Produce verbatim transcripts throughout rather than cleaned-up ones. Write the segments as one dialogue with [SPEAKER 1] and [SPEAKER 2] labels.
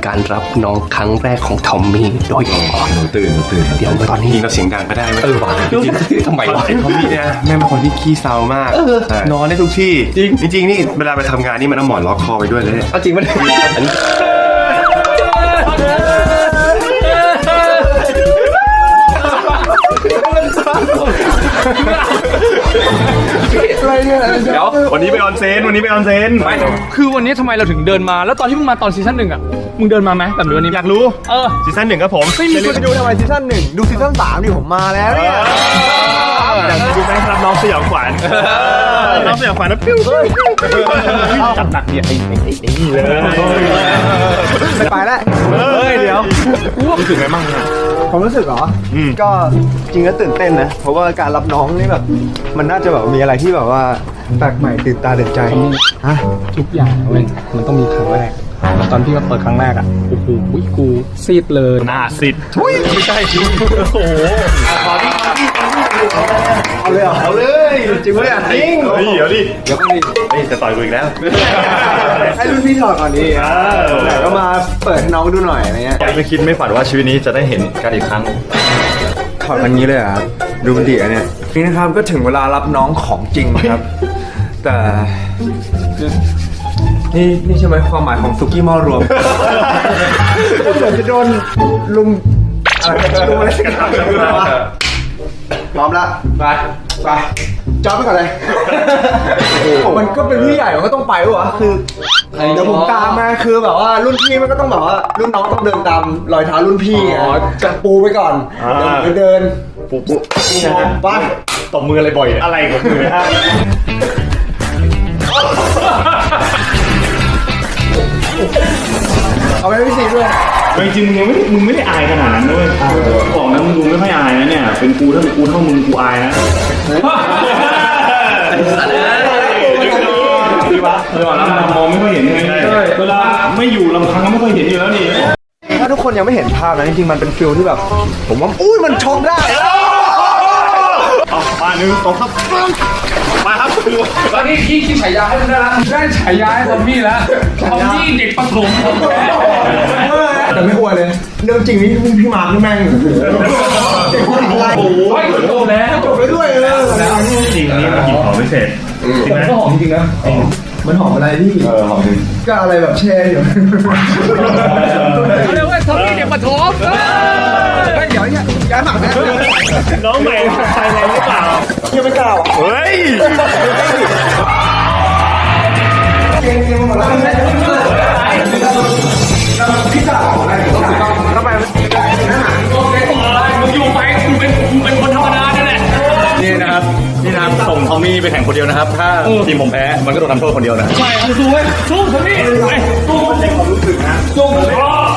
[SPEAKER 1] การรับน้องครั้งแรกของทอมมี่โดยอ๋อ
[SPEAKER 2] หนูตื่นหนูตื่น
[SPEAKER 1] เดี๋ยวตอนนี้
[SPEAKER 2] ยิงเราเสียงดังก็ได้ไหม
[SPEAKER 1] เออว่ะทำไมวะ
[SPEAKER 2] ไอ้ทอมมี่เนี่ยแม่เป็นคนที่ขี้เศร้ามากนอนได้ทุกที่จริงจริงนี่เวลาไปทำงานนี่มันเอาหมอนล็อกคอไปด้วยเลย
[SPEAKER 1] เอาจริงมันอันนี้
[SPEAKER 2] อะไรเนี่ยเดี๋ยววันนี้ไปออนเซนวันนี้ไปออนเซน
[SPEAKER 3] ไม่คือวันนี้ทำไมเราถึงเดินมาแล้วตอนที่มึงมาตอนซีซั่นหนึ่งอ่ะมึงเดินมาไหมแบบนี้วันนี้
[SPEAKER 2] อยากรู้
[SPEAKER 3] เออ
[SPEAKER 2] ซีซั่นหนึ่งครับผม
[SPEAKER 3] ไม่มีคน
[SPEAKER 4] ดูทำไมซีซั่นหนึ่งดูซีซั่นสามดิผมมาแล้วเนี่ย
[SPEAKER 2] อยากดูไหมครับน้องสยองขวัญน้องสยองขวัญนะปิ้วจับหนักเนี่ยไอ้ไอ้ไอ้นี่เลย
[SPEAKER 4] ไม่ไปแล้ว
[SPEAKER 2] เฮ้ยเดี๋ยวรู้สึกไงบ้างเนี่ย
[SPEAKER 4] ผมรู้สึกเหรออ
[SPEAKER 2] ม
[SPEAKER 4] ก็จริงก็ตื่นเต้นนะเพราะว่าการรับน้องนี่แบบมันน่าจะแบบมีอะไรที่แบบว่าแปลกใหม่ตื่นตาตื่นใจฮะ
[SPEAKER 3] ทุกอย่างเว้ยมันต้องมีครั้งแรกตอนที่เราเปิดครั้งแรกอ่ะโอ้โหกูซีดเลย
[SPEAKER 2] หน้าสิทธิ์ไม่ใช่โอ้โห
[SPEAKER 4] เอาเลยเหรอเอาเลยจริงปะเนี่ยจริง
[SPEAKER 2] เฮ้ยเดี๋ยวดิ
[SPEAKER 4] เดี๋ยวก่อนดิ
[SPEAKER 2] เฮ้ยจะต่อยกูอีกแล้ว
[SPEAKER 4] ให้รุ่นพี่ถอดก่อนดิไหนก็มาเปิดให้น้องดูหน่อยอะไรเงี้ย
[SPEAKER 2] ไม่คิดไม่ฝันว่าชีวิตนี้จะได้เห็นกันอีกครั้ง
[SPEAKER 4] ถอดกันนี้เลยเหรอ่ะดูมันดีอ่ะเนี่ยนี่นะครับก็ถึงเวลารับน้องของจริงครับ แต่นี่นี่ใช่ไหมความหมายของสุกี้หม้อรวมก็เหมือนจะโดนลุมอะไรลุมอะไรสักอย่างพร้อมละไปไปจอดไปก่อนเลยมันก็เป็นพี่ใหญ่มันก็ต้องไปวะคือเดี๋ยวผมตามมาคือแบบว่ารุ่นพี่มันก็ต้องแบบว่ารุ่นน้องต้องเดินตามรอยเท้ารุ่นพี่ไงจะปูไปก่อนเดี๋ยวเดิน
[SPEAKER 2] ปุ๊บปุ๊บ
[SPEAKER 4] ไป
[SPEAKER 2] ตบมืออะไรบ่อยอะไรของมือฮะ
[SPEAKER 4] เอาไปให้พี่ซีด้วย
[SPEAKER 5] จริงๆมึงยังไม่มึงไม่ได้อายขนาดนั้นด้วยบอกนะมึงดูไม่ค่อยอายนะเนี่ยเป็นกูถ้าเป็นกูเท่ามึงกูอายนะพี่วะเวลาเรามองไม่ค่อยเห็นไงเวลาไม่อยู่ลำพังก็ไม่ค่อยเห็นอยู่แล้วนี่
[SPEAKER 4] ถ้าทุกคนยังไม่เห็นภาพนะจริงๆมันเป็นฟิลที่แบบ ผมว่าอุ้ยมันช็อกได้
[SPEAKER 2] เอามาหนึ่งสองครับมาครับ
[SPEAKER 3] ตอนนี้พี่คิดฉายาให้มึงได้ละได้ฉายาให้ทอมมี่แล้วทอมมี่เด็กประถมของแท้
[SPEAKER 4] แต่ไม่อวยเลยเรื่องจริงนี่พี่มาร์คนี่แม่งเด็กผู้หญิงอะไร
[SPEAKER 3] โอ้ยโตแล้ว
[SPEAKER 4] จบไปด้วยเออ
[SPEAKER 5] จริงนี่มันกินของไม่เสร็จจริงไหม
[SPEAKER 4] ก็หอมจริงนะมันหอมอะไรพี่
[SPEAKER 5] เออหอมจริง
[SPEAKER 4] ก็อะไรแบบแช่อยู่
[SPEAKER 3] เขาเรียกว่าทอมมี่เด็กประถม
[SPEAKER 4] เฮ้ยเดี๋ยวเนี่ยย้ายหมักนะ
[SPEAKER 2] น้องใหม่ใส่อะไรหรือเปล่า
[SPEAKER 4] ยังไม่กล้า
[SPEAKER 2] เฮ้ย
[SPEAKER 4] เกมเกมหมดแล้วพี่สาวอะไรทำไม
[SPEAKER 3] มึงอยู่ไปมึงเป็นมึงเป็นคนธรรมดาเนี่ยแหละ
[SPEAKER 2] นี่นะครับนี่นะครับส่งทอมมี่ไปแข่งคนเดียวนะครับ ถ้าทีมผมแพ้มันก็โดนทำโทษคนเดียวนะ
[SPEAKER 3] ใช่สู้เว้ยสู้ทอมมี่ไปสู้มันเป็นความรู้สึกนะสู้มัน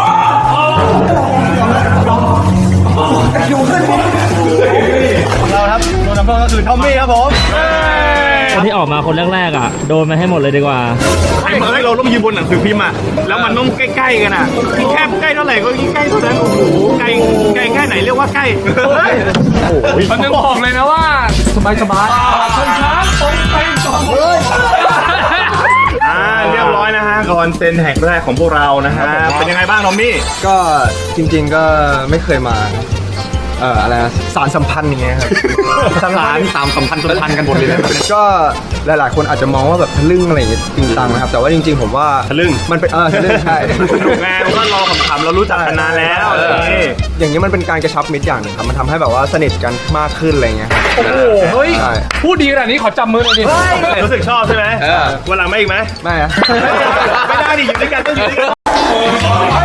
[SPEAKER 2] เราครับโดนทำโทษก็คือทอมมี่ครับผม
[SPEAKER 6] คนที่ออกมาคนแรกๆอ่ะโดนมาให้หมดเลยดีกว่า
[SPEAKER 2] ไอ้เมื่อเราต้องยืนบนหนังสือพิมพ์อ่ะแล้วมันต้องใกล้ๆกันอ่ะแค่ใกล้เท่าไหร่ก็ยิ่งใกล้เท่านั้นโอ้โหไกลไกลแค่ไหนเรียกว่าใกล้
[SPEAKER 3] มันยังบอกเลยนะว่าสบายสบายชนช้างตรงไปสองเลย
[SPEAKER 2] อ่าเรียบร้อยนะฮะคอนเซนแห่งแรกของพวกเรานะฮะเป็นยังไงบ้างทอมมี่
[SPEAKER 4] ก็จริงๆก็ไม่เคยมาเอ่ออะไรนะสารสัมพันธ์อย่างเงี้ยครับ
[SPEAKER 2] สถานสามสัมพันธ์สัมพันธ์กันหมดเลยนะ
[SPEAKER 4] ก็หลายๆคนอาจจะมองว่าแบบทะลึ่งอะไรอย่างเงี้ยจริงจังนะครับแต่ว่าจริงๆผมว่า
[SPEAKER 2] ทะลึ่ง
[SPEAKER 4] มันเป็นเออทะลึ่งใช่
[SPEAKER 2] สนุกไงมันก็รอขำๆเรารู้จักกันนานแล้ว
[SPEAKER 4] เอออย่างนี้มันเป็นการกระชับมิตรอย่างหนึ่งครับมันทำให้แบบว่าสนิทกันมากขึ้นอะไรเงี้ยครับ
[SPEAKER 3] โอ้โหเฮ้ย
[SPEAKER 4] ใช่
[SPEAKER 3] พูดดีขนาดนี้ขอจับมือหน่อยดิ
[SPEAKER 2] รู้สึกชอบใช่ไหมวันหลังไม่อีกไหม
[SPEAKER 4] ไม่อะ
[SPEAKER 2] ไม่ได้ดิอยู่ด้วยกันต้องอยู่ด้วยกัน